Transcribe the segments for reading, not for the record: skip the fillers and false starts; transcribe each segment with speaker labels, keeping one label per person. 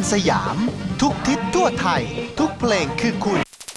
Speaker 1: สยาม ทุกทิศทั่วไทย ทุกเพลงคือคุณ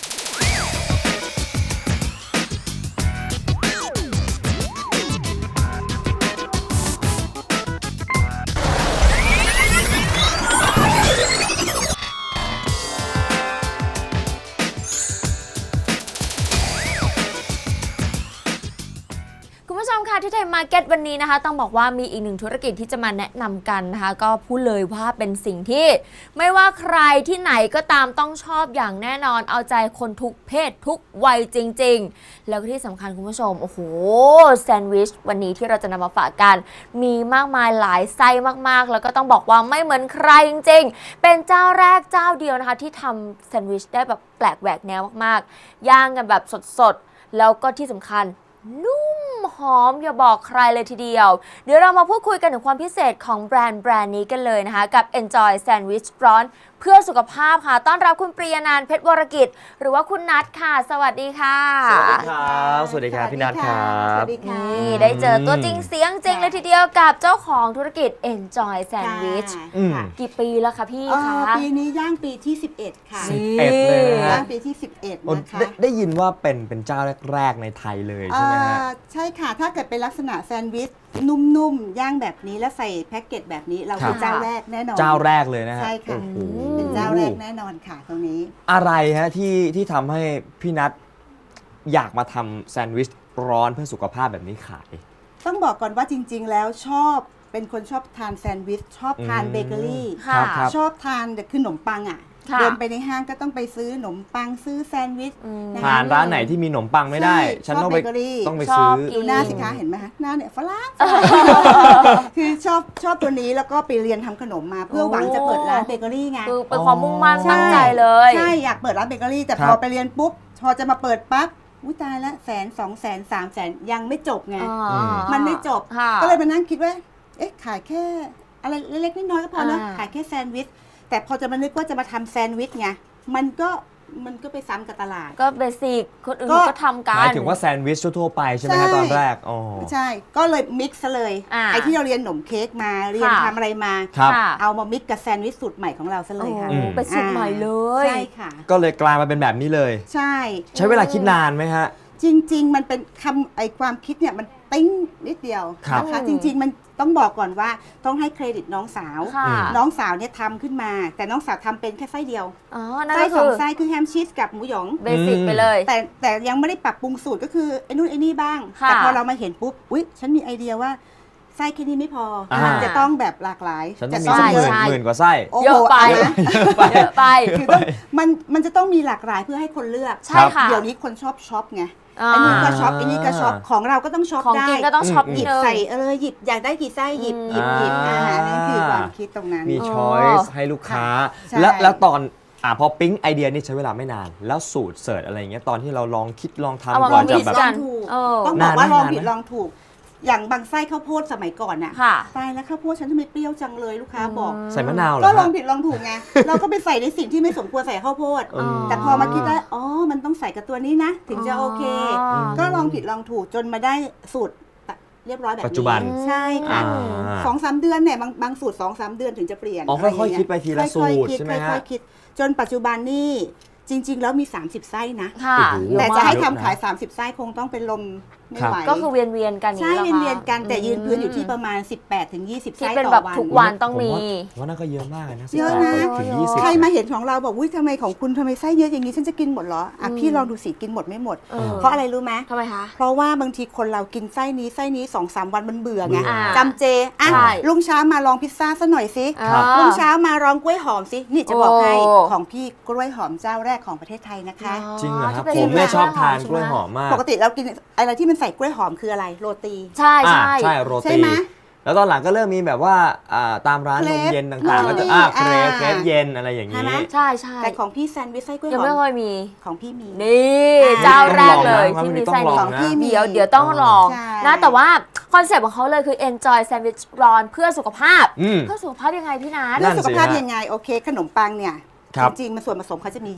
Speaker 2: คุณผู้ชมค่ะที่ไทยมาร์เก็ตวันนี้นะคะต้องบอกว่ามีอีกหนึ่งธุรกิจที่จะมาแนะนำกันนะคะก็พูดเลยว่าเป็นสิ่งที่ไม่ว่าใครที่ไหนก็ตามต้องชอบอย่างแน่นอนเอาใจคนทุกเพศทุกวัยจริงๆแล้วก็ที่สำคัญคุณผู้ชมโอ้โหแซนด์วิชวันนี้ที่เราจะนำมาฝากกันมีมากมายหลายไส้มากๆแล้วก็ต้องบอกว่าไม่เหมือนใครจริงๆเป็นเจ้าแรกเจ้าเดียวนะคะที่ทำแซนด์วิชได้แบบแปลกแหวกแนวมากๆย่างกันแบบสดๆแล้วก็ที่สำคัญนุ่มหอมอย่าบอกใครเลยทีเดียวเดี๋ยวเรามาพูดคุยกันถึงความพิเศษของแบรนด์นี้กันเลยนะคะกับ Enjoy Sandwich ร้อนเพื่อสุขภาพค่ะต้อนรับคุณปริยนันท์เพชรวรกิจหรือว่าคุณนัทค่ะสวัสดีค่ะ
Speaker 3: สวัสดีครับสวัสดีครับพี่นัทครับ
Speaker 2: นี่ได้เจอตัวจริงเสียงจริงเลยทีเดียวกับเจ้าของธุรกิจ Enjoy Sandwich กี่ปีแล้วคะพี่คะ
Speaker 4: ปีนี้ย่างปีที่11ค่ะ
Speaker 3: 11เลยนะ
Speaker 4: ย่างปีที่11นะคะ
Speaker 3: ได้ยินว่าเป็นเจ้าแรกๆในไทยเลยใช่ไหมฮะ
Speaker 4: ใช่ค่ะถ้าเกิดเป็นลักษณะแซนด์วิชนุ่มๆย่างแบบนี้แล้วใส่แพ็กเกจแบบนี้เราเป็นเจ้าแรกแน่นอน
Speaker 3: เจ้าแรกเลยนะฮะ
Speaker 4: ใช่ค่ะเป็นเจ้าแรกแน่นอนค่ะตรงนี้
Speaker 3: อะไรฮะที่ทำให้พี่นัทอยากมาทำแซนด์วิชร้อนเพื่อสุขภาพแบบนี้ขาย
Speaker 4: ต้องบอกก่อนว่าจริงๆแล้วเป็นคนชอบทานแซนด์วิชชอบทานเบเกอรี่ชอบทานแต่คือขนมปังอ่ะเดินไปในห้างก็ต้องไปซื้อขนมปังซื้อแซนด์วิช
Speaker 3: ผ่านร้านไหนที่มีขนมปังไม่ได้ฉันต้องไปซื้อ
Speaker 4: ดูหน้าสิคะเห็นไหมคะหน้าเนี่ยฝรั่งคือชอบตัวนี้แล้วก็ไปเรียนทำขนมมาเพื่อหวังจะเปิดร้านเบเกอรี่ไง
Speaker 2: คือเป็นความมุ่งมั่นตั้งใจเลย
Speaker 4: ใช่อยากเปิดร้านเบเกอรี่แต่พอไปเรียนปุ๊บพอจะมาเปิดปั๊บอุ้ยตายละ100,000 200,000 300,000ยังไม่จบไงมันไม่จบก็เลยมานั่งคิดว่าเอ๊ะขายแค่อะไรเล็กๆน้อยๆก็พอนะขายแค่แซนด์วิชแต่พอจะมานึกว่าจะมาทำแซนด์วิชไงมันก็ไปซ้ำกับตลาด
Speaker 2: ก็เบสิกคนอื่นก็ทำกัน
Speaker 3: หมายถึงว่าแซนด์วิชทั่วไปใช่ไหมฮะตอนแรก
Speaker 4: ใช่ก็เลยมิกซ์เลยไอ้ที่เราเรียนขนมเค้กมาเรียนทำอะไรมาเอามามิกซ์กับแซนด์วิชสูตรใหม่ของเราซะเลยค่ะ
Speaker 2: เป็นสูตรใหม่เลย
Speaker 4: ใช่ค่ะ
Speaker 3: ก็เลยกลายมาเป็นแบบนี้เลย
Speaker 4: ใช่
Speaker 3: เวลาคิดนานไหมฮะ
Speaker 4: จริงๆมันเป็นความคิดเนี่ยมันติ้งนิดเดียวนะคะจริงๆมันต้องบอกก่อนว่าต้องให้เครดิตน้องสาวเนี่ยทำขึ้นมาแต่น้องสาวทำเป็นแค่ไส้เดียวไส้2 ไส้คือแฮมชีสกับหมูหยอง
Speaker 2: เบสิกไปเลย
Speaker 4: แต่ยังไม่ได้ปรับปรุงสูตรก็คือไอ้นู่นไอ้นี่บ้างแต่พอเรามาเห็นปุ๊บอุ๊ยฉันมีไอเดียว่าไส้แค่นี้ไม่พอจะต้องแบบหลากหลาย
Speaker 3: จะต้องหมื่นกว่าไส้
Speaker 2: เยอะไปเยอะไป
Speaker 4: คือมันจะต้องมีหลากหลายเพื่อให้คนเลือก
Speaker 2: ใช่ค่ะ
Speaker 4: เดี๋ยวนี้คนชอบช็อปไงอันนี้ก็ช็อปอันนี้ก็ช็อปของเราก็ต้องช็อปได้
Speaker 2: ของกินก็ต้องช็อป
Speaker 4: หยิบใส่หยิบอยากได้กี่ไส้หยิบนั่นคือความคิดตรงนั้น
Speaker 3: มีช้อยส์ให้ลูกค้าแล้วตอนพอปิ๊งไอเดียนี่ใช้เวลาไม่นานแล้วสูตรเสิร์ชอะไรอย่างเงี้ยตอนที่เราลองคิดลองทำก่อนจะแบบ
Speaker 4: ต้องบอกว่าลองผิดลองถูกอย่างบางไส้ข้าวโพดสมัยก่อนน่ะตายแล้วข้าวโพดฉันทำไมเปรี้ยวจังเลยลูกค้าบอก
Speaker 3: ใส่มะนาวเหรอ
Speaker 4: ก็ลองผิดลองถูกไงเราก็ไปใส่ในสิ่งที่ไม่สมควรใส่ข้าวโพดแต่พอมาคิดได้มันต้องใส่กับตัวนี้นะถึงจะโอเคก็ลองผิดลองถูกจนมาได้สูตรเรียบร้อยแบบนี้
Speaker 3: ปัจจุบัน
Speaker 4: ใช่ค่ะ2-3 เดือนเนี่ยบางสูตร 2-3 เดือนถึงจะเปลี่ยน
Speaker 3: ค่อยๆคิดไปทีละสูตรใช่ไหมฮะ
Speaker 4: ค่อยๆคิดจนปัจจุบันนี่จริงๆแล้วมี30 ไส้นะแต่จะให้ทำขาย30 ไส้คงต้องเป็นลมไม่ไหว
Speaker 2: ก็คือเวียนกัน
Speaker 4: ใช่เวียนกันแต่ยืนพื้นอยู่ที่ประมาณ18-20 ไส้ต่อวัน
Speaker 2: ทุกวันต้องมี
Speaker 3: ว่าน่าก็เยอะมากนะ
Speaker 4: เยอะนะใครมาเห็นของเราบอกทำไมของคุณทำไมไส้เยอะอย่างนี้ฉันจะกินหมดเหรอพี่ลองดูสิกินหมดไม่หมดเพราะอะไรรู้ไหม
Speaker 2: ทำไมคะ
Speaker 4: เพราะว่าบางทีคนเรากินไส้นี้ 2-3 วันมันเบื่อไงจำเจลุงเช้ามาลองพิซซ่าซะหน่อยสิลุงเช้ามาลองกล้วยหอมสินี่จะบอกให้ของพี่กล้วยหอมเจ้าแรกของประเทศไทยนะคะ
Speaker 3: จริงเหรอครับผมเนี่ยชอบทานกล้วยหอมมาก
Speaker 4: ปกติเรากินอะไรที่มันใส่กล้วยหอมคืออะไรโรตี
Speaker 2: ใช่
Speaker 3: โรตีแล้วตอนหลังก็เริ่มมีแบบว่าตามร้านนมเย็นต่างๆก็จะเครปเย็นอะไรอย่างนี้
Speaker 2: ใช่
Speaker 4: แต่ของพี่แซนด์วิชไส้กล้วยหอม
Speaker 2: ยังไม่เคยมี
Speaker 4: ของพี่มี
Speaker 2: นี่เจ้าแรกเลยที่มีไส้
Speaker 4: ของพี่มี
Speaker 2: เดี๋ยวต้องลองนะแต่ว่าคอนเซ็ปต์ของเขาเลยคือ enjoy sandwich ร้อนเพื่อสุขภาพเพื่อสุขภาพยังไงพี่นัท
Speaker 4: เพื่อสุขภาพยังไงโอเคขนมปังเนี่ยจริงๆมันส่วนผสมเขาจะมียีสต์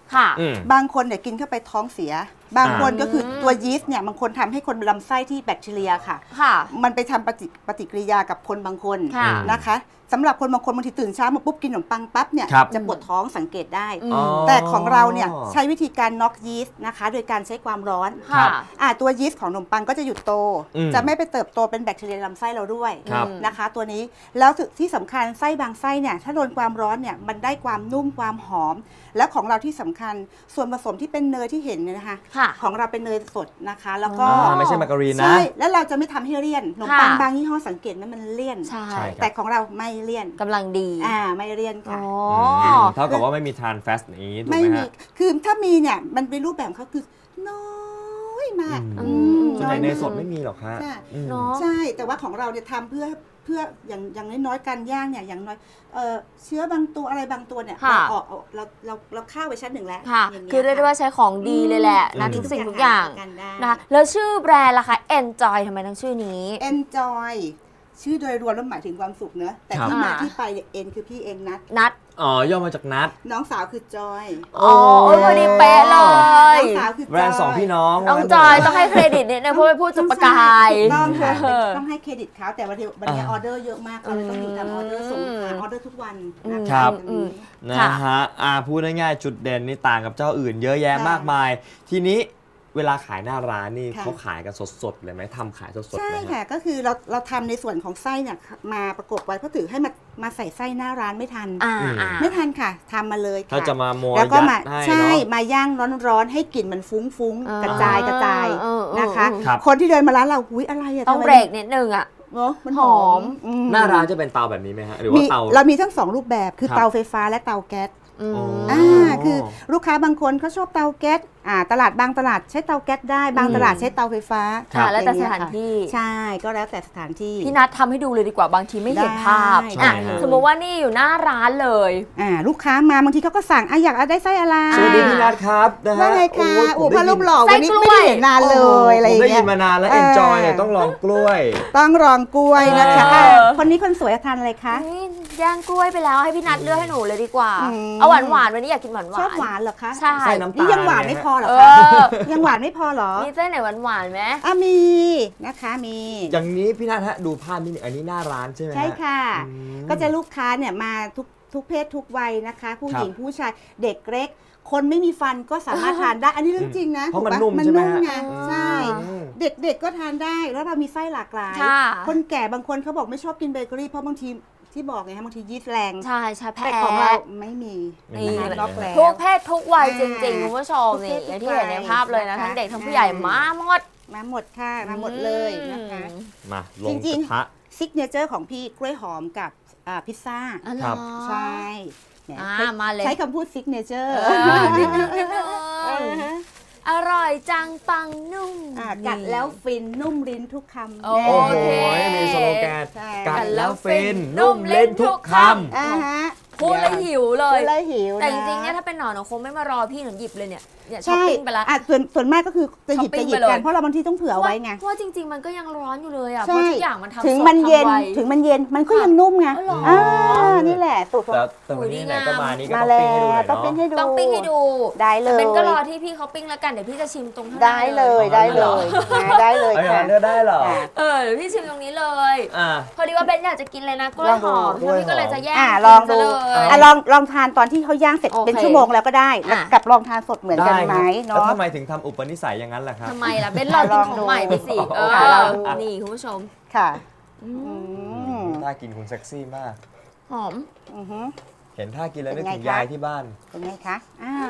Speaker 2: ค่ะ
Speaker 4: บางคนเนี่ยกินเข้าไปท้องเสีย บางคนก็คือตัวยีสต์เนี่ยบางคนทำให้คนลำไส้ที่แบคทีเรียค่ะ
Speaker 2: ค่ะ
Speaker 4: มันไปทำปฏิกิริยากับคนบางคน
Speaker 2: ค่ะ
Speaker 4: นะคะสำหรับคนบางคนบางทีตื่นเช้ามาปุ๊บกินขนมปังปั๊บเนี่ย
Speaker 3: ครับ
Speaker 4: จะปวดท้องสังเกตได้
Speaker 2: อ๋อ
Speaker 4: แต่ของเราเนี่ยใช้วิธีการน็อกยีสต์นะคะโดยการใช้ความร้อน
Speaker 2: ค่ะ
Speaker 4: ตัวยีสต์ของขนมปังก็จะหยุดโต จะไม่ไปเติบโตเป็นแบคทีเรียในลำไส้เราด้วย
Speaker 3: ครับ
Speaker 4: นะคะ ตัวนี้แล้วที่สำคัญไส้บางไส้เนี่ยถ้าโดนความร้อนเนี่ยมันได้ความนุ่มความหอม และของเราที่สำคัญส่วนผสมที่เป็นเนยที่เห็นเนี่ยนะคะ
Speaker 2: ค่ะ
Speaker 4: ของเราเป็นเนยสดนะคะ แล้วก็
Speaker 3: ไม่ใช่มาการีนนะ
Speaker 4: ใช่แล้วเราจะไม่ทำให้เลี่ยนขนมปัง
Speaker 2: ค่ะ
Speaker 4: บางยี่ห้อสังเกตไหมมันเลี่ยน
Speaker 2: ใช่
Speaker 3: ใช่ครับ
Speaker 4: แต่ของเราไม่เลี่ยน
Speaker 2: กำลังดี
Speaker 4: ไม่เลี่ยน
Speaker 2: อ๋
Speaker 4: ค่ะ
Speaker 2: อ
Speaker 3: เท่ากับว่าไม่มีทานแฟสต์อย่างนี้ถูก
Speaker 4: ไม่
Speaker 3: ไหม
Speaker 4: มี
Speaker 3: ฮะ
Speaker 4: คือถ้ามีเนี่ยมันเป็นรูปแบบเขาคือน้อยมาก
Speaker 3: อื ส่วนใหญ่ในสดไม่มีหรอกฮะ
Speaker 4: ใช่
Speaker 3: อืม
Speaker 2: เนาะ
Speaker 4: ใช่ แต่ว่าของเราเนี่ยทำเพื่ออย่างน้อยๆการย่างเนี่ยอย่างน้อยเชื้อบางตัวอะไรบางตัวเนี่ย
Speaker 2: ค่ะ
Speaker 4: เราฆ่าไว้ชั้นหนึ่งแล้ว
Speaker 2: ค่ะ
Speaker 4: ย่างงี้
Speaker 2: คือเรียกได้ว่าใช้ของดีเลยแหละนะ
Speaker 3: อืม
Speaker 2: ทุกสิ่งทุกอย่าง
Speaker 4: กันได้
Speaker 2: นะคะแล้วชื่อแบรนด์ล่ะคะ Enjoy ทำไมต้องชื่อนี้
Speaker 4: Enjoy ชื่อโดยรวมแล้วหมายถึงความสุขเนอะแต่
Speaker 3: ครับ
Speaker 4: ที่มาที่ไปเนี่ย N คือพี่เองนัด
Speaker 2: นัด
Speaker 3: อ๋อย่อมาจากนัด
Speaker 4: น้องสาวคือจอย
Speaker 2: อ๋อโอ้ยพอดีเป๊ะเล
Speaker 4: น้
Speaker 2: ย
Speaker 4: องสาวคือจอย
Speaker 3: แบรนด์สองพี่น้อง
Speaker 2: น้องจอยต้องให้เครดิตนิดนึงเพราะเป็นผู้จุดประกาย
Speaker 4: ถูต้องค่ะ
Speaker 2: เออ
Speaker 4: ต้องให้เครดิตเขาแต่วันนี้ออเดอร์เยอะมากเขาเลยต้องอยู่ทำออเดอร์ส่งหาออเดอร์ทุกวันนะ
Speaker 3: ครั
Speaker 4: คะ
Speaker 3: บ
Speaker 4: อืม
Speaker 3: นะฮะพูดง่ายๆจุดเด่นนี่ต่างกับเจ้าอื่นเยอะแยะ
Speaker 4: ค่ะ
Speaker 3: มากมาย ทีนี้เวลาขายหน้าร้านนี่
Speaker 4: ค่ะ
Speaker 3: เขาขายกันสดๆเลยไหมทำขายสดๆ
Speaker 4: ใช่
Speaker 3: เลย
Speaker 4: ค่ะ ก็คือเราทำในส่วนของไส้เนี่ยมาประกบไว้เพราะถือให้มาใส่ไส้หน้าร้านไม่ทัน ไม่ทันค่ะทำมาเลยค่ะ
Speaker 3: ถ้าจะมาโมย
Speaker 4: แล้วก็
Speaker 3: ยัด
Speaker 4: มา
Speaker 3: ให้
Speaker 4: ใช่
Speaker 3: เนาะ
Speaker 4: มาย่างร้อนๆให้กลิ่นมันฟุ้งๆกระจายนะคะ
Speaker 3: ครับ
Speaker 4: คนที่เดินมาร้านเราอุ้ยอะไรอะ
Speaker 2: ต้อง
Speaker 4: ทำไม
Speaker 2: เบรกนิดนึงอ่ะ
Speaker 4: เนอะมันห
Speaker 2: ห
Speaker 4: อ
Speaker 2: อ
Speaker 4: ม
Speaker 2: ม
Speaker 3: หน้าร้านจะเป็นเตาแบบนี้ไหมฮะหรือว่าเตา
Speaker 4: เรามีทั้งสองรูปแบบคือ
Speaker 3: ครับ
Speaker 4: เตาไฟฟ้าและเตาแก๊ส
Speaker 2: อืม
Speaker 3: อ๋อ
Speaker 4: คือลูกค้าบางคนเขาชอบเตาแก๊สตลาดบางตลาดใช้เตาแก๊สได้บางตลาดใช้เตาไฟฟ้า
Speaker 2: ค่ะแล้วแต่
Speaker 4: อย่งเงี้ย
Speaker 2: สถานที่
Speaker 4: ใช่ก็แล้วแต่สถานที่
Speaker 2: พี่นัททำให้ดูเลยดีกว่าบางทีไม่เห็นภาพ
Speaker 4: ได้
Speaker 2: อ่ะ
Speaker 4: ได้เลย
Speaker 2: สมมติว่านี่อยู่หน้าร้านเลย
Speaker 4: ลูกค้ามาบางทีเขาก็สั่งอยากได้ไส้อะไร
Speaker 3: สวัสดีพี่นัทครับนะฮะ
Speaker 4: ว่าไงคะ
Speaker 3: ผ
Speaker 4: โอ้
Speaker 3: ม
Speaker 4: พระรูปหล่อ
Speaker 2: ไส้
Speaker 4: วันนี้
Speaker 2: กล้วย
Speaker 4: ไม่ได้เห็นนานเลยอะไรอ
Speaker 3: ผม
Speaker 4: ย่าง
Speaker 3: ได้
Speaker 4: เงี้
Speaker 3: ยิ
Speaker 4: ย
Speaker 3: นมานานแล้ว Enjoy เนี่ยต้องลองกล้วย
Speaker 4: ต้องรองกล้วยนะคะ
Speaker 2: เออ
Speaker 4: คนนี้คนสวยทานอะไรคะ
Speaker 2: นี่ย่างกล้วยไปแล้วให้พี่นัทเลือกให้หนูเลยดีกว่า
Speaker 4: อืม
Speaker 2: เอาหวานๆวันนี้อยากกินหวานๆ
Speaker 4: ชอบหวานเหรอคะ
Speaker 2: ใช่
Speaker 3: ใส่น้ำตาล
Speaker 4: นี่ยังหวานไม่พอเหรอ
Speaker 2: เอ
Speaker 4: คะ
Speaker 2: อ
Speaker 4: ยังหวานไม่พอเหรอ
Speaker 2: มีเส้นไหนหวานๆไหม
Speaker 4: มีนะคะมี
Speaker 3: อย่างนี้พี่นัทฮะดูภาพนิดนึงอันนี้หน้าร้านใช่ไหมฮะ
Speaker 4: ใช่ค่ะ
Speaker 3: อืม
Speaker 4: ก็จะลูกค้าเนี่ยมาทุกเพศทุกวัยนะคะ ผู้หญิง
Speaker 3: ครับ
Speaker 4: ผู้ชายเด็กเล็ก คนไม่มีฟันก็สามารถทานได้ อันนี้เรื่องจริงนะ
Speaker 3: เพราะมัน
Speaker 4: ถูกป
Speaker 3: นุ่มใช่ไหมฮะ
Speaker 4: ไงใช่
Speaker 3: อืม
Speaker 4: เด็กๆก็ทานได้แล้วเรามีไส้หลากหลาย
Speaker 2: ค่ะ
Speaker 4: คนแก่บางคนเขาบอกไม่ชอบกินเบเกอรี่เพราะบางทีที่บอกไงฮะบางทียีสต์แรง
Speaker 2: ใช่ใช่แพ้
Speaker 4: แต่ของเราไม่มี
Speaker 3: ไม่มี
Speaker 2: นี่
Speaker 4: นะคะล็อกแล้ว
Speaker 2: ทุกเพศทุกวัยจริงๆ
Speaker 4: อ่า
Speaker 2: คุณผู้ชม
Speaker 4: ทุกเพ
Speaker 2: นี่
Speaker 4: ศ
Speaker 2: อย่าง
Speaker 4: ทุ
Speaker 2: ที่
Speaker 4: ก
Speaker 2: เห็นใน
Speaker 4: วัย
Speaker 2: ภาพเลยนะ
Speaker 4: นะคะ
Speaker 2: ทั้งเด็กทั้งผู้ใหญ่
Speaker 4: อ่าม
Speaker 2: มาหมด
Speaker 4: มาหมดค่ะมาหมดเลยนะคะ
Speaker 3: มาล
Speaker 4: จ
Speaker 3: ง
Speaker 4: ริ
Speaker 3: ก
Speaker 4: ง
Speaker 3: ระทะ
Speaker 4: ซิกเนเจอร์ของพี่กล้วยหอมกับพิซซ่า
Speaker 2: อ๋อเหรอ
Speaker 3: ครับ
Speaker 4: ใช่เนี่ย
Speaker 2: มาเลย
Speaker 4: ใช้คำพูดซิกเนเจอร์
Speaker 2: นิดนึงอร่อยจังปังนุ่ม
Speaker 4: กัดแล้วฟินนุ่มลิ้นทุกคำ
Speaker 2: โอ
Speaker 3: โอ้โห
Speaker 2: เค
Speaker 3: มีสโลแกน
Speaker 4: ใช่
Speaker 3: กัดแล้วฟินนุ่มเล่นทุกคำ
Speaker 4: ฮะ
Speaker 2: พูดแล้วหิวเล
Speaker 4: พู
Speaker 2: ย
Speaker 4: ดแล้วหิว
Speaker 2: แต่จริงๆเนี่ยถ้าเป็นหนอนคงไม่มารอพี่หนูหยิบเลยเนี่ยช้อป
Speaker 4: ใช่
Speaker 2: ปิ้งไปละ
Speaker 4: ส่วนมากก็คือจะหยิบ
Speaker 2: ช้อปปิ้ง
Speaker 4: จะหยิบ
Speaker 2: ไปเลย
Speaker 4: กันเพราะเราบางทีต้องเผื่อไว้ไง
Speaker 2: เพราะว่าจริง ๆ มันก็ยังร้อนอยู่เลยอ่ะเพ
Speaker 4: ใช่
Speaker 2: ราะทุกอย่างมันทำ
Speaker 4: ถึง
Speaker 2: สด
Speaker 4: มันเย็น
Speaker 2: ทำไว
Speaker 4: ถึงมันเย็นมันก็ยังนุ่มไง
Speaker 2: อ๋อเหรออ่
Speaker 4: นี่แหละสูตรของ
Speaker 3: แต่วันนี้ไหนก็มานี่ก็
Speaker 4: มา
Speaker 3: ต้องปิ้งให้ดูหน่อยเนาะ
Speaker 4: แล้วต้องปิ้งให้ดู
Speaker 2: ต้องปิ้งให้ดู
Speaker 4: ได้เลย
Speaker 2: เป็นก็รอที่พี่เขาปิ้งแล้วกันเดี๋ยวพี่จะชิมตรงข้างหน้า
Speaker 4: ได้เลยได้เลยได้เลย
Speaker 3: เอาอย่าง
Speaker 4: ค่ะ
Speaker 3: นั้นก็ได้เหรอ
Speaker 2: เดี๋ยวพี่ชิมตรงนี้เลย
Speaker 3: อ่า
Speaker 2: พอดีว่าเบนอยากจะกินเลยนะกล้วยหอม
Speaker 3: ลองดู
Speaker 2: พี่ก็เลยจะแยก
Speaker 4: ลองดู
Speaker 2: กินซะเลย
Speaker 4: ลองทานตอนที่เขาย่างเสร็จ
Speaker 2: โอเค
Speaker 4: เป็นชั่วโมงแล้วก็ได้แล้ว
Speaker 2: อ่ะ
Speaker 4: กับลองทานสดเหมือนกัน
Speaker 3: ได้
Speaker 4: ไหม
Speaker 3: ครับแล้ว
Speaker 4: เนาะ
Speaker 3: ทำไมถึงทำอุปนิสัยอย่างนั้นล่ะครับ
Speaker 2: ทำไมล่ะเบนรอกินของใหม่ไปสิ
Speaker 3: ค่ะลองดู
Speaker 2: นี่คุณผู้ชม
Speaker 4: ค่ะ
Speaker 3: ท่ากินคุณเซ็กซี่มาก
Speaker 2: หอม
Speaker 4: อือฮึ
Speaker 3: เห็นท่ากินแล้วนึกถึง
Speaker 4: เป็นไงคะ
Speaker 3: ยายที่บ้าน
Speaker 4: เป็นไงคะ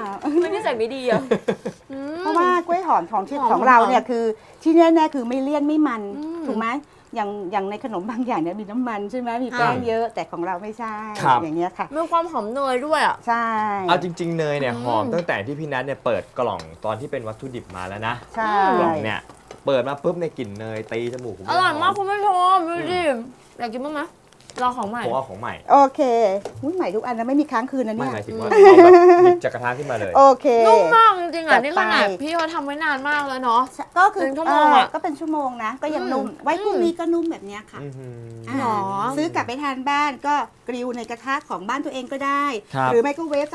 Speaker 2: ไม่ได้ใส่ไม่ดีอ่ะ
Speaker 4: เพราะว่ากล้วยหอมของ
Speaker 2: หอม
Speaker 4: ของเรา
Speaker 2: หอม
Speaker 4: เนี่ยคือที่แน่ๆคือไม่เลี่ยนไม่มัน
Speaker 2: อืม
Speaker 4: ถูกไหมอย่างในขนมบางอย่างเนี่ยมีน้ำมันใช่ไหมมีแป้งเยอะแต่ของเราไม่ใช่
Speaker 3: ครับ
Speaker 4: อย่างเงี้ยค่ะ
Speaker 2: มีความหอมเนยด้วยอ่ะ
Speaker 4: ใช่
Speaker 3: เอาจริง ๆ เนยเนี่ย
Speaker 2: อืม
Speaker 3: หอมตั้งแต่ที่พี่นัทเนี่ยเปิดกล่องตอนที่เป็นวัตถุดิบมาแล้วนะ
Speaker 4: ใช่
Speaker 3: กล่องเนี่ยเปิดมาปุ๊บในยกลิ่นเนยตีจมูกผม
Speaker 2: อร่อยมากคุณผู้ชมดูดิอยากกินบ้างไหมรอของใหม่
Speaker 3: ผมเอาของใหม่
Speaker 4: โอเคอุ๊ยใหม่ทุกอันนะไม่มีค้างคืนนะ
Speaker 3: ไม่
Speaker 4: เนี่ย
Speaker 3: หมายถึงว่าเอาแบบหยิบจากกระทะขึ้นมาเลย
Speaker 4: โอเค
Speaker 2: นุ่มมากจริงๆอ่ะ
Speaker 4: จัด
Speaker 2: นี่ขนาด
Speaker 4: ไป
Speaker 2: พี่เขาทำไว้นานมากแล้วเนาะ
Speaker 4: ก็คือ
Speaker 2: เป็นชั่วโมงอะ
Speaker 4: ก็เป็นชั่วโมงนะ ก็ยังนุ่ม
Speaker 2: อืม
Speaker 4: ไว้พรุ่งนี้ก็นุ่มแบบเนี้ยค่ะ
Speaker 3: อื้อหือ
Speaker 2: หรอ
Speaker 4: ซื้อกลับไปทานบ้านก็กริลในกระทะของบ้านตัวเองก็ได้
Speaker 3: ครับ
Speaker 4: หรือไม่ก็เวฟสัก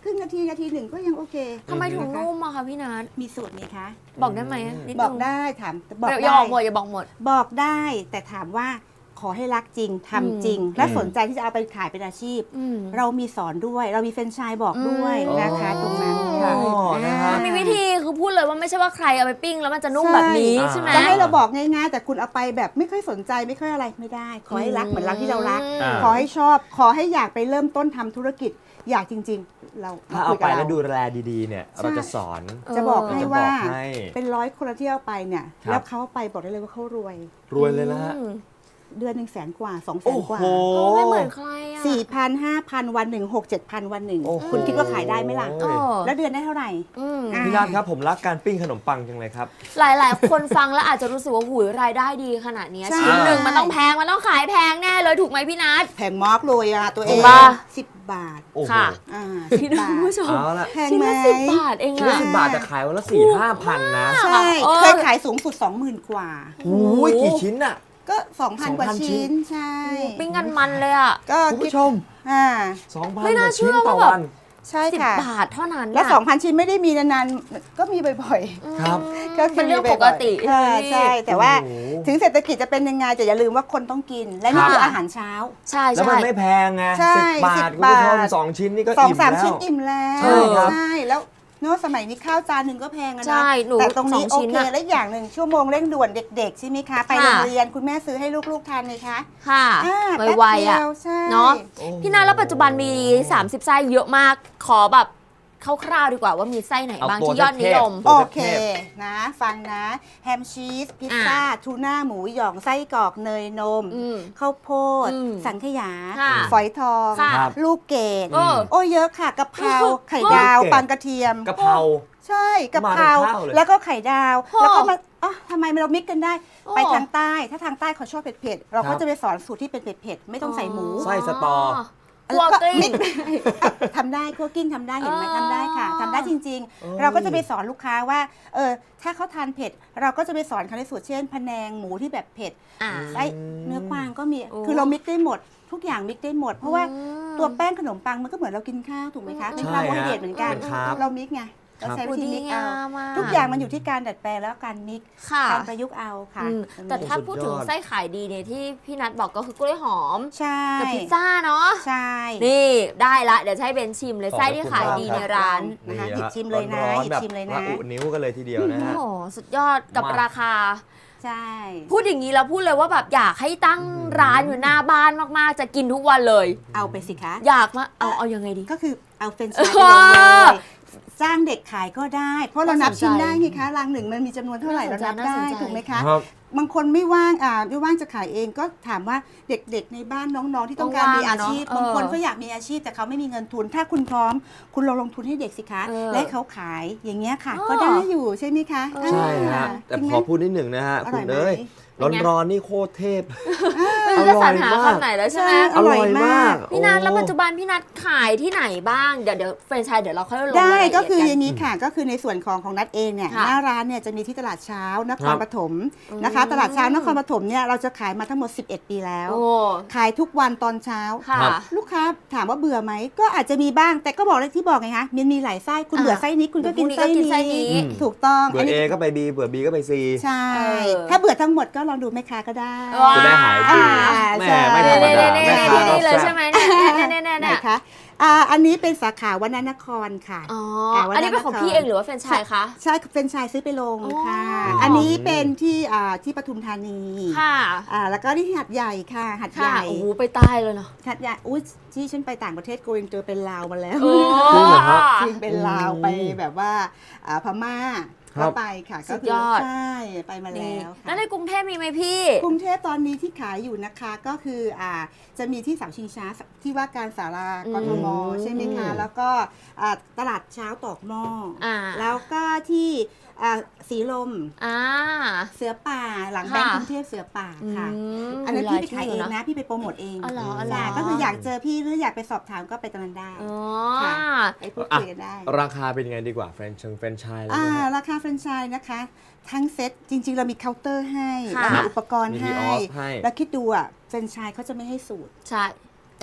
Speaker 4: ครึ่งนาทีหนึ่งก็ยังโอเค
Speaker 2: ทำไมถึงนุ่มอะคะพี่นัท
Speaker 4: มีสูตรไหมคะ
Speaker 2: บอกได้ไหมนิดนึง
Speaker 4: บอกได้ถามบอก
Speaker 2: อย่า
Speaker 4: ได้
Speaker 2: บอกหมดอย่าบอกหมด
Speaker 4: บอกได้แต่ถามว่าขอให้รักจริงทำจริง และสนใจที่จะเอาไปขายเป็นอาชีพ
Speaker 2: อืม
Speaker 4: เรามีสอนด้วย เรามีแฟรนไชส์บอกด้วยนะคะ
Speaker 3: อืม
Speaker 4: ตรงนั้นค่ะ
Speaker 3: อ๋อนะฮะ
Speaker 2: มันมีวิธีคือพูดเลยว่าไม่ใช่ว่าใครเอาไปปิ้งแล้วมันจะนุ่มแบบนี้ใช่ไหม
Speaker 4: จะให้เราบอกง่ายๆ แต่คุณเอาไปแบบไม่ค่อยสนใจไม่ค่อยอะไรไม่ได้ ขอให้รักเหมือนรักที่เรารัก
Speaker 3: อ่า
Speaker 4: ขอให้ชอบ ขอให้อยากไปเริ่มต้นทำธุรกิจอยากจริง ๆ เรา
Speaker 3: ถ้าเอา
Speaker 4: คุย
Speaker 3: ไป
Speaker 4: กับ
Speaker 3: แล้ว
Speaker 4: เรา
Speaker 3: ดูแลดีๆเนี่ยเราจะสอน
Speaker 4: จะบอกให้ว่า
Speaker 3: จะบอกให้
Speaker 4: เป็น100 คนที่เอาไปเนี่ย
Speaker 3: ครับ
Speaker 4: แล้วเขาเอาไปบอกได้เลยว่าเขารวย
Speaker 3: รวยเลยนะฮะ
Speaker 4: เดือน100,000 กว่า 200,000
Speaker 3: โอ้
Speaker 4: กว่า
Speaker 3: โห
Speaker 2: โอ้ไม่เหมือนใครอะ
Speaker 4: 4,000 5,000 วันหนึ่ง6 7,000 วันหนึ่ง
Speaker 3: โอ้โห
Speaker 4: คุณคิดว่าขายได้ไหมล่ะ
Speaker 2: เออ
Speaker 4: แล้วเดือนได้เท่าไหร่
Speaker 2: อืม
Speaker 4: อ่ะ
Speaker 3: พี่นัทครับผมรักการปิ้งขนมปังจังเลยครับ
Speaker 2: หลายๆ คนฟังแล้วอาจจะรู้สึกว่าหูยรายได้ดีขนาดเนี้ย
Speaker 4: ใช่
Speaker 2: ชิ้นหนึ่งมันต้องแพงมันต้องขายแพงแน่เลยถูกไหมพี่นัท
Speaker 4: แพงมากเลยอะตัวเอ
Speaker 2: ถู
Speaker 4: ง
Speaker 2: กปะ
Speaker 4: 10 บาท
Speaker 3: โอ้โห
Speaker 2: ค่ะ
Speaker 4: อ่า
Speaker 2: พี่
Speaker 4: 10
Speaker 2: นัท
Speaker 4: บาท
Speaker 2: คุณผู้ชม
Speaker 3: เอาละ
Speaker 4: แพง
Speaker 2: ชิ้น
Speaker 4: ไหม
Speaker 2: ละ10 บาทเอง
Speaker 3: ชิ้นละ
Speaker 2: อะ
Speaker 3: 10 บาทแต่ขายวันละ 4-5,000 นะ
Speaker 4: ใช่
Speaker 2: เออ
Speaker 4: เคยขายสูงสุด 20,000 กว่า
Speaker 3: โอ้ยกี่ชิ้นอะ
Speaker 4: ก็ 2,000 กว่า
Speaker 3: 2,000 ชิ้
Speaker 4: ชิ้
Speaker 3: น
Speaker 4: น ใช่
Speaker 2: ปิ้งกันมันเลยอะ
Speaker 4: ก็
Speaker 3: คุณ
Speaker 4: คิด
Speaker 3: ผู้ชม
Speaker 4: อ่า
Speaker 3: 2,000
Speaker 2: ไม่
Speaker 3: ก
Speaker 2: น่า
Speaker 3: ว่า
Speaker 2: เชื่
Speaker 3: ชิ้น
Speaker 2: อ
Speaker 3: ต่อ
Speaker 2: ว่าแบบ
Speaker 3: วัน
Speaker 4: ใช่
Speaker 2: 10
Speaker 4: ค่ะ
Speaker 2: บาทเท่านั้น
Speaker 4: แล้ว
Speaker 2: น่ะ
Speaker 4: 2,000 ชิ้นไม่ได้มีนานๆ ก็มีบ่อย
Speaker 3: ครับ
Speaker 4: ๆ ก็คื
Speaker 2: เป็นเรื่อง
Speaker 4: มีบ่
Speaker 2: ป
Speaker 4: ยๆ
Speaker 2: กติ
Speaker 4: อ่า
Speaker 2: ใช่ไหมพี่
Speaker 4: ใช่ แต่ว่า
Speaker 3: โอ้โห
Speaker 4: ถึงเศรษฐกิจจะเป็นยังไงแต่อย่าลืมว่าคนต้องกิน และนี่
Speaker 3: ครับ
Speaker 4: คืออาหารเช้า
Speaker 2: ใช่
Speaker 3: แล้ว
Speaker 2: ใช่
Speaker 3: มันไม่แพงไง
Speaker 4: ใช่
Speaker 3: 10 บาท
Speaker 4: 10
Speaker 3: คุณผู้ชม
Speaker 4: บาท
Speaker 3: 2 ชิ้นนี่ก็
Speaker 4: 2-3
Speaker 3: อิ่มแล้ว
Speaker 4: ชิ้นอิ่มแล้ว
Speaker 3: ใช่ครับ
Speaker 4: ใช่แล้วเนอะสมัยนี้ข้าวจานหนึ่งก็แพงอะ
Speaker 2: ใช่
Speaker 4: นะ
Speaker 2: หนู
Speaker 4: แต่ตรงนี้
Speaker 2: 2
Speaker 4: โอ
Speaker 2: ชิ้น
Speaker 4: เค
Speaker 2: อะ
Speaker 4: และอย่างหนึ่งชั่วโมงเร่งด่วนเด็กๆใช่ไหมคะ ไป
Speaker 2: ค่ะ
Speaker 4: โรงเรียนคุณแม่ซื้อให้ลูกๆทานเลยคะ
Speaker 2: ค่ะ
Speaker 4: อ่า
Speaker 2: ไวๆอะ
Speaker 4: แป๊บเดียวใช่
Speaker 2: เนาะ
Speaker 3: โอ้โห
Speaker 2: พี่นาแล้วปัจจุบันมี 30 ไส้เยอะมาก ขอแบบคร่าวๆดีกว่าว่ามีไส้ไหนบ้าง
Speaker 3: เอาตัว
Speaker 2: ที่ยอดนิยม
Speaker 3: เทพ
Speaker 4: โอ
Speaker 3: ตัว
Speaker 4: เคนะฟังนะแฮมชีสพิซ
Speaker 2: อ่า
Speaker 4: ซ่าทูน่าหมูหยองไส้กรอกเนยนม
Speaker 2: อืม
Speaker 4: ข้าวโพด
Speaker 2: อืม
Speaker 4: สังขยา
Speaker 2: ค่ะ
Speaker 4: ฝอยทอง
Speaker 2: ค่ะ
Speaker 3: ครับ
Speaker 4: ลูกเกด
Speaker 2: เออ
Speaker 4: โอ้เยอะค่ะกะเพรา
Speaker 2: โอ้
Speaker 4: ไข่ดาว
Speaker 3: ลูกเกด
Speaker 4: ปังกระเทียม
Speaker 3: กะเพรา
Speaker 4: ใช่กะเพรา
Speaker 3: มาเป็นข้าวเลย
Speaker 4: แล้วก็ไข่ดาว
Speaker 2: โอ้
Speaker 4: แล้วก็มาอ๋อทำไมเรามิกกันได้
Speaker 2: โอ้
Speaker 4: ไปทางใต้ ถ้าทางใต้เขาชอบเผ็ดๆเรา
Speaker 3: ครั
Speaker 4: ก็
Speaker 3: บ
Speaker 4: จะไปสอนสูตรที่เป็นเผ็ดๆไม่ต้องใส่หมู
Speaker 3: ไส้สตอ
Speaker 2: คั่วกลิ้ง
Speaker 4: มิกทำได้คั่วกลิ้งทำได้เห็นไหม
Speaker 2: อ๋อ
Speaker 4: ทำได้ค่ะทำได้จริง
Speaker 3: เอ้ย
Speaker 4: ๆ เราก็จะไปสอนลูกค้าว่าถ้าเขาทานเผ็ด เราก็จะไปสอนเขาในสูตรเช่นพะแนงหมูที่แบบเผ็ด
Speaker 2: อ่า
Speaker 4: ไส้เนื้อกวางก็มี
Speaker 2: โอ้
Speaker 4: คือเรามิกได้หมด ทุกอย่างมิกได้หมด เพราะว่า
Speaker 2: อืม
Speaker 4: ตัวแป้งขนมปังมันก็เหมือนเรากินข้าวถูกไหมคะเป็น
Speaker 3: ใช่
Speaker 4: คาร์โบไฮเดรตเหมือนกัน
Speaker 3: เป็นคาร์บ
Speaker 4: เรามิกไงเราใช้
Speaker 2: โอ้
Speaker 4: วิธี
Speaker 2: ดี
Speaker 4: มิกเอา
Speaker 2: งามอะ
Speaker 4: ทุกอย่างมันอยู่ที่การดัดแปลงแล้วการมิก
Speaker 2: ค่ะ
Speaker 4: การประยุกต์เอาค่ะ
Speaker 2: อืมแต่ถ้าพูดถึงไส้ขายดีเนี่ยที่พี่นัทบอกก็คือกล้วยหอม
Speaker 4: ใช่
Speaker 2: กับพิซซ่าเนาะ
Speaker 4: ใช่
Speaker 2: นี่ได้ละเดี๋ยวจะให้เบนชิมเลยไส้ที่ขายดีในร้าน
Speaker 4: นะคะหยิบชิมเลยนะ
Speaker 3: ร้อน
Speaker 4: หยิ
Speaker 3: ๆแบบ
Speaker 4: บชิมเลยนะ
Speaker 3: ระอุนิ้วกันเลยทีเดียวนะ
Speaker 2: โอ้
Speaker 3: ฮะ
Speaker 2: โหสุดยอดกับ
Speaker 3: มาก
Speaker 2: ราคา
Speaker 4: ใช่
Speaker 2: พูดอย่างนี้แล้วพูดเลยว่าแบบอยากให้ตั้งร้านอยู่หน้าบ้านมากๆ จะกินทุกวันเลย
Speaker 4: เอาไปสิคะ
Speaker 2: อยากมาเอายังไงดี
Speaker 4: ก็คือเอาเฟรนช์ฟรายไปลงเลยจ้างเด็กขายก็ได้ เพราะเรานับชิ้นได้ไงคะรังหนึ่งมันมีจำนวนเท่าไหร่เรานับได้
Speaker 2: น่าสนใจ
Speaker 4: ถูกไหมคะ
Speaker 3: ครับ
Speaker 4: บางคนไม่ว่างไม่ว่างจะขายเองก็ถามว่าเด็กๆในบ้านน้องๆที่ต้องการมีอาชีพ
Speaker 2: ต้องว่างอะเนอะ
Speaker 4: บางคนก็อยากมีอาชีพแต่เขาไม่มีเงินทุน ถ้าคุณพร้อม คุณลองลงทุนให้เด็กสิคะ
Speaker 2: เออ
Speaker 4: และให้เขาขายอย่างเงี้ยค่ะ
Speaker 2: อ๋อ
Speaker 4: ก็ได้อยู่ใช่ไหมคะ
Speaker 2: เออ
Speaker 3: ใช่ฮะ
Speaker 4: จ
Speaker 3: แต่
Speaker 4: ริงไห
Speaker 3: ข
Speaker 4: ม
Speaker 3: อพูดนิดหนึ่งนะฮะ
Speaker 4: อร่
Speaker 3: คุ
Speaker 4: อย
Speaker 3: ณ
Speaker 4: ไหม
Speaker 3: เอ้ย
Speaker 2: เป็นไง
Speaker 3: ร้อนๆนี่โคตรเทพ
Speaker 2: ไม่รู้จะสรรหา
Speaker 3: อร่อยมาก
Speaker 2: คำไหนแล้วใช่ไหม
Speaker 4: อร่อยมาก
Speaker 2: พี่นัท
Speaker 3: โอ้
Speaker 2: แล้วปัจจุบันพี่นัทขายที่ไหนบ้างเดี๋ยวแฟรนไชส์เดี๋ยวเราค่อยลง
Speaker 4: ได้
Speaker 2: รายละเอีย
Speaker 4: ก็คือ
Speaker 2: กัน
Speaker 4: อย่างนี้ค่ะก็คือในส่วนของนัดเองเนี่ย
Speaker 2: ค่ะ
Speaker 4: หน้าร้านเนี่ยจะมีที่ตลาดเช้านค
Speaker 3: ครั
Speaker 4: ร
Speaker 3: บ
Speaker 4: ปฐมนะคะ ตลาดเช้านครปฐมเนี่ยเราจะขายมาทั้งหมด 11 ปีแล้ว
Speaker 2: โอ้
Speaker 4: ขายทุกวันตอนเช้า
Speaker 2: ค่ะ
Speaker 3: ครับ
Speaker 4: ลูกค้าถามว่าเบื่อไหมก็อาจจะมีบ้าง แต่ก็บอกเลยที่บอกไงคะมันมีหลายไส้คุณเบื่อไส้นี้คุณก็กินไส้
Speaker 2: เดี๋ยวพรุ่งนี้ก็กินไส้นี้
Speaker 4: นี้ถูกต้อง
Speaker 3: เบื่อ A ก็ไป B เบื่อ B ก็ไป C
Speaker 4: ใช่
Speaker 2: เออ
Speaker 4: ถ้าเบื่อทั้งหมดก็ลองดูแม่ค้าก็ได้
Speaker 2: ว้าว
Speaker 3: จะได้หายดี แม่ไม่ธรรมดา
Speaker 2: นี่
Speaker 3: แม่
Speaker 2: ๆๆ
Speaker 3: ค้า
Speaker 2: ๆที่นี่เลย
Speaker 3: ก็แซ่บ
Speaker 2: ใช่ไหมเนี่ยเนี่ย
Speaker 4: ไหน
Speaker 2: เนี่ย
Speaker 4: คะอันนี้เป็นสาขาวนนครค่ะ
Speaker 2: อ๋อ
Speaker 4: วันนั้น
Speaker 2: อันนี้เป็นของพี่เองหรือว่าแฟรนไชส์คะ
Speaker 4: ใช่เป็นชายซื้อไปลงค่ะ
Speaker 2: อ๋ออั
Speaker 4: อันนี้เป็นที่ปทุมธานี
Speaker 2: ค่ะ
Speaker 4: แล้วก็ที่หัดใหญ่ค่ะหัดให
Speaker 2: ค่ะ
Speaker 4: ญ่
Speaker 2: โอ้โหไปใต้เลยเนาะ
Speaker 4: หัดใหญ่อุ้ยที่ฉันไปต่างประเทศโกอินเตอร์เป็นลาวมาแล้ว
Speaker 2: โอ้
Speaker 3: จริงเหรอครับ
Speaker 4: จริงเป็นลาวไปแบบว่าพม่า
Speaker 3: ครั
Speaker 4: ก็
Speaker 3: บ
Speaker 4: ไปค่ะ
Speaker 2: สุ
Speaker 4: ก็
Speaker 2: ด
Speaker 4: คื
Speaker 2: ยอด
Speaker 4: ใช่ไปมา
Speaker 2: นี่
Speaker 4: แล้ว
Speaker 2: แล้ว
Speaker 4: ค่ะ
Speaker 2: ในกรุงเทพมีไหมพี่
Speaker 4: กรุงเทพตอนนี้ที่ขายอยู่นะคะก็คือจะมีที่เสาชิงช้าที่ว่าการสารากทมใช่ไหมคะแล้วก็ตลาดเช้าตอกหม้ออา แล้วก็ที่สีลม
Speaker 2: อ่า
Speaker 4: เสือป่าหลังแบงค์
Speaker 2: ค่ะ
Speaker 4: กรุงเทพเสือป่าค่ะ
Speaker 2: ม
Speaker 4: อันนั้นพี่ไปขายเอง
Speaker 2: หล
Speaker 4: นะพี่ไปโปรโมทเอง
Speaker 2: อ๋อเหรออ๋อเหรอ
Speaker 4: ใช่ก็คืออยากเจอพี่หรืออยากไปสอบถามก็ไปตรงนั้นได้
Speaker 2: อ๋อ
Speaker 4: ค่ะ ไปพูดคุยกันได้
Speaker 3: ราคาเป็นยังไงดีกว่าแฟรนไชส์เลยนะฮะ
Speaker 4: ราคาแฟรนไชส์นะคะ ทั้งเซ็ตจริง ๆ เรามีเคาน์เตอร์ให้
Speaker 2: ค่ะ
Speaker 4: เรามีอุปกรณ์
Speaker 3: มี
Speaker 4: ให้
Speaker 3: ออฟให้
Speaker 4: แล้วคิดดูแฟรนไชส์เขาจะไม่ให้สูตร
Speaker 2: ใช่
Speaker 4: แต่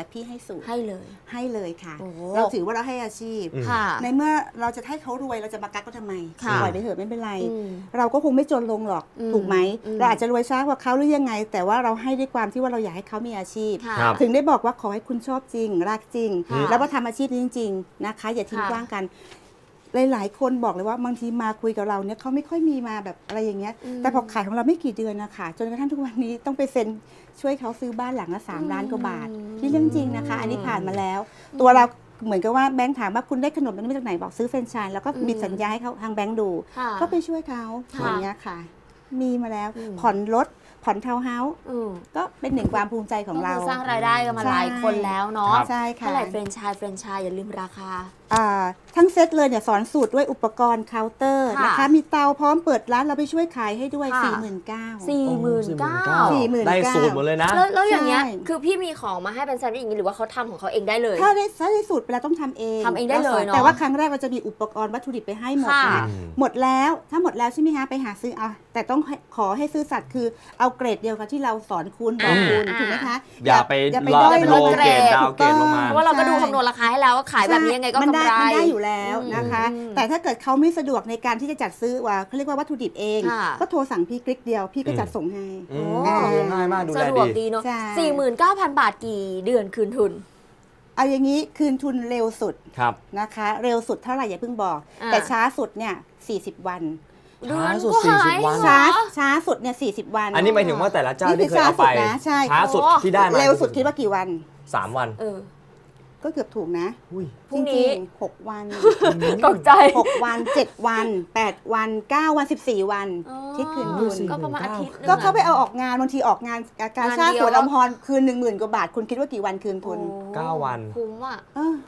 Speaker 4: แต่พี่ให้สูตร
Speaker 2: ให้เลย
Speaker 4: ให้เลยค่ะ
Speaker 2: โอ้โห
Speaker 4: เราถือว่าเราให้อาชีพ
Speaker 2: ค่ะ
Speaker 4: ในเมื่อเราจะให้เขารวยเราจะมากักก็ทำไม
Speaker 2: ค่ะ
Speaker 4: ปล่อยไปเถอะไม่เป็นไร
Speaker 2: อืม
Speaker 4: เราก็คงไม่จนลงหรอก
Speaker 2: อืม
Speaker 4: ถูกไหม
Speaker 2: อืม
Speaker 4: เราอาจจะรวยช้ากว่าเขาหรือยังไง แต่ว่าเราให้ด้วยความที่ว่าเราอยากให้เขามีอาชีพ
Speaker 2: ค่ะ
Speaker 3: ครับ
Speaker 4: ถึงได้บอกว่าขอให้คุณชอบจริงรักจริง
Speaker 2: ค่ะ
Speaker 4: แล้วก็ทำอาชีพนี้จริงๆนะคะ อย่าทิ้ง
Speaker 2: ค่ะ
Speaker 4: กว้างกัน หลายๆ คนบอกเลยว่าบางทีมาคุยกับเราเนี่ยเขาไม่ค่อยมีมาแบบอะไรอย่างเงี้ย แต่พอขายของเราไม่กี่เดือนนะคะจนกระทั่งทุกวันนี้ต้องไปเซ็นช่วยเขาซื้อบ้านหลังละ3 ล้านกว่าบาทที่เรื่องจริงนะคะ อันนี้ผ่านมาแล้ว ตัวเราเหมือนกับว่าแบงค์ถามว่าคุณได้ขนมนี้มาจากไหนบอกซื้อแฟรนไชส์แล้วก็มีสัญญาให้เขาทางแบงค์ดู
Speaker 2: ค่ะ
Speaker 4: ก็ไปช่วยเขา
Speaker 2: ค่ะ
Speaker 4: อย่างเงี้ยค่ะ มีมาแล้ว
Speaker 2: อืม
Speaker 4: ผ่อนรถผ่อนทาวน์เฮาส์
Speaker 2: อืม
Speaker 4: ก็เป็นหนึ่งความภูมิใจของเรา
Speaker 2: ก็คือสร้างรายได้กันมาหลายคนแล้วเนาะ
Speaker 3: ครับ
Speaker 4: ใช่ค่ะ
Speaker 2: เท่าไหร่เฟรนไชส์อย่าลืมราคา
Speaker 4: ทั้งเซตเลยเนี่ยสอนสูตรด้วยอุปกรณ์เคาน์เตอร์
Speaker 2: ค่ะ
Speaker 4: นะคะ มีเตาพร้อมเปิดร้านเราไปช่วยขายให้ด้วย
Speaker 2: ค่ะ
Speaker 4: 49,000
Speaker 2: 49,000
Speaker 3: ได้สูตรหมดเลยนะ
Speaker 2: แล้วอย่างเงี้ย
Speaker 4: ใช่
Speaker 2: คือพี่มีของมาให้เป็นแซนด์วิชอย่างนี้หรือว่าเขาทำของเขาเองได้เลย
Speaker 4: ถ้าได้สูตรไปแล้วต้องทำเอง
Speaker 2: ทำเองได้เลยเนอะ
Speaker 4: แต่ว่าครั้งแรกเราจะมีอุปกรณ์วัตถุดิบไปให้หมด
Speaker 2: ค่ะ
Speaker 4: นะหมดแล้วถ้าหมดแล้วใช่ไหมคะไปหาซื้อเอาแต่ต้องขอให้ซื้อสัตย์คือเอาเกรดเดียวกับที่เราสอนคุณบอกคุณ
Speaker 2: อ่า
Speaker 4: ถูกไหมคะ
Speaker 3: อย่าไป
Speaker 4: ด้อย
Speaker 3: โล
Speaker 4: ลง
Speaker 3: เกรดดาวเกรดลงมา
Speaker 2: เพราะว่าเราก็ดูคำนวณราคาให้แล้วว่าขายแบบนี้ยังไงก็
Speaker 4: มัน
Speaker 2: กำ
Speaker 4: ได้
Speaker 2: ไร
Speaker 4: มันได้อยู่แล้วนะคะ
Speaker 2: อืม
Speaker 4: แต่ถ้าเกิดเขาไม่สะดวกในการที่จะจัดซื้อว่าเขาเรียกว่าวัตถุดิบเอง
Speaker 2: ค่ะ
Speaker 4: ก็โทรสั่งพี่คลิกเดียวพี่ก็จัดส่งให้
Speaker 3: อืม
Speaker 2: โอ้
Speaker 3: ง่ายมากดูแล
Speaker 2: สะดวก
Speaker 3: ดี
Speaker 2: ดีเนาะ
Speaker 4: ใช่
Speaker 2: 49,000 บาทกี่เดือนคืนทุน
Speaker 4: เอาอย่างนี้คืนทุนเร็วสุด
Speaker 3: ครับ
Speaker 4: นะคะ เร็วสุดเท่าไหร่อย่าเพิ่งบอก
Speaker 2: อ่า
Speaker 4: แต่ช้าสุดเนี่ย40 วัน
Speaker 2: เดือน
Speaker 3: สุด
Speaker 2: ก็หาย
Speaker 3: 40 วัน
Speaker 2: เหรอ
Speaker 4: ช้าสุดเนี่ย40 วัน
Speaker 3: อันนี้หมายถึงว่าแต่ละเจ้า
Speaker 4: นี่
Speaker 3: ที่
Speaker 4: คือ
Speaker 3: เคยเอาไป
Speaker 4: ช้าสุดนะใช่
Speaker 3: ช้าสุดที่ได้มา
Speaker 4: เร็วสุดคิดว่ากี่วัน
Speaker 3: 3 วัน
Speaker 2: เออ
Speaker 4: ก็เกือบถูกนะ
Speaker 3: อุ้ย
Speaker 2: พรุ่งนี้
Speaker 4: จริงๆ6 วัน
Speaker 2: ตกใจ
Speaker 4: 6 วัน 7 วัน 8 วัน 9 วัน 14 วัน
Speaker 2: อ๋อ
Speaker 4: ที่คืนทุน
Speaker 2: ก็ประมาณอาทิตย์หนึง
Speaker 4: ก็เขา
Speaker 2: อะ
Speaker 4: ไปเอาออกงานบางทีออกงานการชาติ
Speaker 2: งานเดียว
Speaker 4: สวนอมพรคืน 10,000 กว่าบาท คุณคิดว่ากี่วันคืนทุน
Speaker 2: โอ้
Speaker 3: 9 วัน
Speaker 2: คุ้มอ่ะ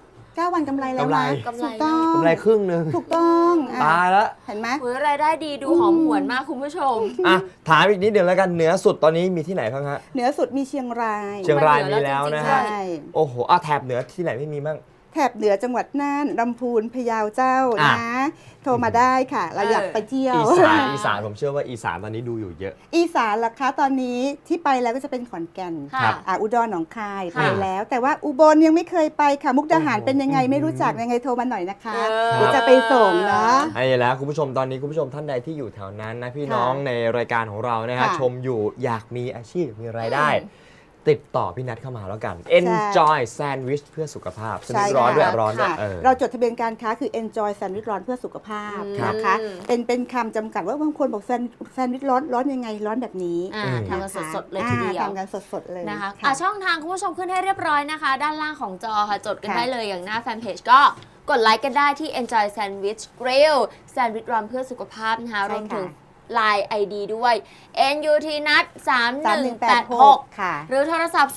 Speaker 4: 9 วันกำไรแล้ว
Speaker 3: กำไร
Speaker 4: นะ
Speaker 2: กำไร
Speaker 4: ถูกต้อง
Speaker 3: กำไรครึ่งหนึ่ง
Speaker 4: ถูกต้องอ่ะ
Speaker 3: ตายแล้ว
Speaker 4: เห็นไหม
Speaker 2: โอ้ยรายได้ดีดูหอมหวนมากคุณผู้ชม
Speaker 3: อ่ะถามอีกนิดเดียวแล้วกันเหนือสุดตอนนี้มีที่ไหนบ้างฮะ
Speaker 4: เหนือสุดมีเชียงราย
Speaker 3: เชียงราย
Speaker 2: เหนื
Speaker 3: มี
Speaker 2: อแล้
Speaker 3: แล้ว
Speaker 2: ว
Speaker 3: นะ
Speaker 2: จริงๆ
Speaker 3: ฮะ
Speaker 4: ใช่
Speaker 3: โอ้โหแถบเหนือที่ไหนไม่มีบ้าง
Speaker 4: แถบเหนือจังหวัดน่านลำพูนพะเยาเจ้า
Speaker 3: อ่ะ
Speaker 4: นะ โทรมาได้ค่ะ เราอยากไปเที่ยว
Speaker 3: อีสานผมเชื่อว่าอีสานตอนนี้ดูอยู่เยอะ
Speaker 4: อีสานล่ะคะตอนนี้ที่ไปแล้วก็จะเป็นขอนแก่น
Speaker 2: ค่ะ
Speaker 4: อุดรหนองคาย
Speaker 2: ค่ะ
Speaker 4: ไปแล้ว แต่ว่าอุบลยังไม่เคยไปค่ะ มุกดาหาร
Speaker 3: โอ้โห
Speaker 4: เป็นยังไงไม่รู้จักยังไงโทรมาหน่อยนะคะ
Speaker 2: เออ
Speaker 4: เดี๋ยวจะไปส่งเนาะ
Speaker 3: ไอ้แล้วคุณผู้ชมตอนนี้คุณผู้ชมท่านใดที่อยู่แถวนั้นนะพี่น้องในรายการของเรานะฮะ
Speaker 4: ค่ะ
Speaker 3: ชมอยู่อยากมีอาชีพมีรายได้ ติดต่อพี่นัทเข้ามาแล้วกัน Enjoy Sandwich เพื่อสุขภาพสนิทร้อนด้วยร้อนด้วย
Speaker 4: ค่ะ
Speaker 3: เออ
Speaker 4: เราจดทะเบียนการค้าคือ Enjoy Sandwich ร้อนเพื่อสุขภาพ
Speaker 2: ครับ
Speaker 4: นะคะ เป็นคำจำกัดว่าบางคนบอกแซนด์วิชร้อนยังไงร้อนแบบนี้
Speaker 2: ทำกันสดๆเลยทีเดียว
Speaker 4: ทำกันสดๆเลย
Speaker 2: นะคะ
Speaker 4: ค่ะ
Speaker 2: ช่องทางคุณผู้ชมขึ้นให้เรียบร้อยนะคะ ด้านล่างของจอค่ะ จดกัน
Speaker 4: ค่ะ
Speaker 2: ได้เลยอย่างหน้าแฟนเพจก็กดไลค์กันได้ที่ Enjoy Sandwich Grill Sandwich Run เพื่อสุขภาพนะคะ
Speaker 4: ใช่
Speaker 2: รวมถึง
Speaker 4: ค่ะ
Speaker 2: Line ID ด้วย NUT นัด
Speaker 4: 3186 ค่ะ
Speaker 2: หรือโทรศัพท์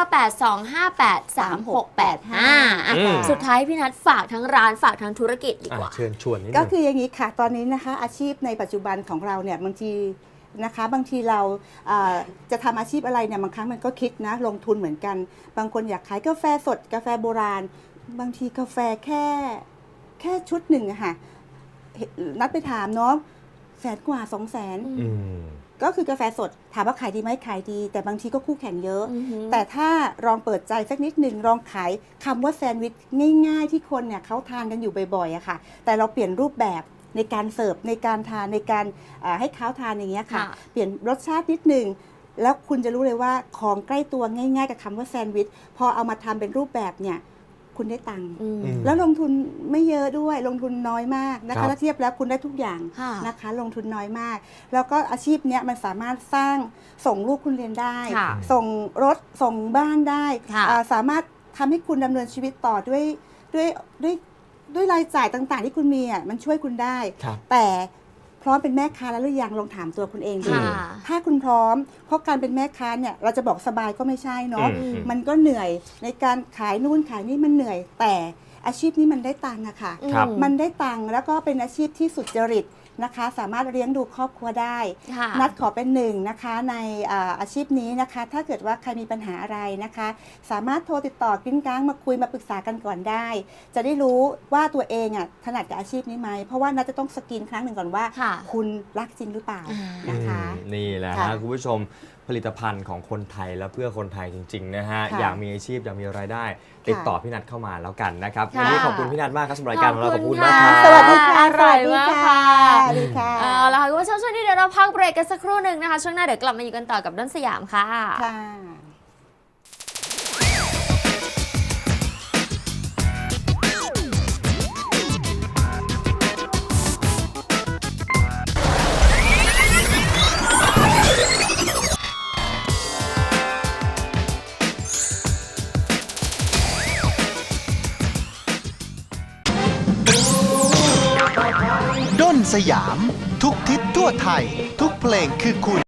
Speaker 2: 0982583685
Speaker 3: อืม
Speaker 2: สุดท้ายพี่นัดฝากทั้งร้านฝากทั้งธุรกิจดีกว่า
Speaker 3: เชิญชวนนิดนึง
Speaker 4: ก็คืออย่างนี้ค่ะ ตอนนี้นะคะอาชีพในปัจจุบันของเราเนี่ยบางทีนะคะบางทีเราจะทำอาชีพอะไรเนี่ยบางครั้งมันก็คิดนะลงทุนเหมือนกัน บางคนอยากขายกาแฟสดกาแฟโบราณ บางทีกาแฟแค่ชุดหนึ่งอะค่ะนัดไปถามเนาะ100,000 กว่า 200,000
Speaker 3: อืม
Speaker 4: ก็คือกาแฟสดถามว่าขายดีไหมขายดี แต่บางทีก็คู่แข่งเยอะ
Speaker 2: อือหือ
Speaker 4: แต่ถ้าลองเปิดใจสักนิดหนึ่งลองขายคำว่าแซนด์วิชง่ายๆที่คนเนี่ยเขาทานกันอยู่บ่อยๆอะค่ะ แต่เราเปลี่ยนรูปแบบในการเสิร์ฟในการทานในการให้เขาทานอย่างเงี้ยค่ะ
Speaker 2: ค่ะ
Speaker 4: เปลี่ยนรสชาตินิดหนึ่งแล้วคุณจะรู้เลยว่าของใกล้ตัวง่ายๆกับคำว่าแซนด์วิชพอเอามาทำเป็นรูปแบบเนี่ยคุณได้ตังค์
Speaker 2: อืม
Speaker 4: แล้วลงทุนไม่เยอะด้วยลงทุนน้อยมากนะ
Speaker 3: ครั
Speaker 4: คะ
Speaker 3: บ
Speaker 4: ถ้าเทียบแล้วคุณได้ทุกอย่าง
Speaker 2: ค่ะ
Speaker 4: นะคะลงทุนน้อยมาก แล้วก็อาชีพเนี้ยมันสามารถสร้างส่งลูกคุณเรียนได้
Speaker 2: ค่ะ
Speaker 4: ส่งรถส่งบ้านได้
Speaker 2: ค่ะ
Speaker 4: สามารถทำให้คุณดำเนินชีวิตต่อด้วยรายจ่ายต่างๆ ที่คุณมีอ่ะมันช่วยคุณได้
Speaker 3: ครับ
Speaker 4: แต่พร้อมเป็นแม่ค้าแล้วหรือยังลองถามตัวคุณเองดู
Speaker 2: ค่ะ
Speaker 4: ถ้าคุณพร้อมเพราะการเป็นแม่ค้าเนี่ยเราจะบอกสบายก็ไม่ใช่เนาะ
Speaker 3: อืม
Speaker 4: มันก็เหนื่อยในการขายนู่นขายนี่มันเหนื่อย แต่อาชีพนี้มันได้ตังค์อะค่ะ
Speaker 3: ครับ
Speaker 4: มันได้ตังค์แล้วก็เป็นอาชีพที่สุจริตนะคะ สามารถเลี้ยงดูครอบครัวได้
Speaker 2: ค่ะ
Speaker 4: นัดขอเป็นหนึ่งนะคะในอาชีพนี้นะคะ ถ้าเกิดว่าใครมีปัญหาอะไรนะคะ สามารถโทรติดต่อกริ้งก้างมาคุยมาปรึกษากันก่อนได้ จะได้รู้ว่าตัวเองอ่ะถนัดกับอาชีพนี้ไหมเพราะว่านัดจะต้องสกรีนครั้งหนึ่งก่อนว่า
Speaker 2: ค่ะ
Speaker 4: คุณรักจริงหรือเปล่านะคะ
Speaker 3: นี่แหละ
Speaker 4: ค่ะ
Speaker 3: ฮะคุณผู้ชมผลิตภัณฑ์ของคนไทยและเพื่อคนไทยจริงๆนะฮะ
Speaker 4: ค่ะ
Speaker 3: อยากมีอาชีพอยากมีรายได้ ติดต่อพี่นัทเข้ามาแล้วกันนะครับ
Speaker 2: ค่ะ
Speaker 3: วันนี้ขอบคุณพี่นัทมากครับสำหรับรายการของเราขอบคุณ
Speaker 2: ค่ะ
Speaker 3: มากครับ
Speaker 4: สวัสดีค่ะ
Speaker 2: อร่อยมากค่ะ
Speaker 4: สวัสดีค่ะ
Speaker 2: เอาละค่ะคุณผู้ชมช่วงนี้เดี๋ยวเราพักเบรกกันสักครู่หนึ่งนะคะ ช่วงหน้าเดี๋ยวกลับมาอยู่กันต่อกับด้นสยามค่ะ
Speaker 4: ค่ะ
Speaker 1: ด้นสยาม ทุกทิศทั่วไทย ทุกเพลงคือคุณ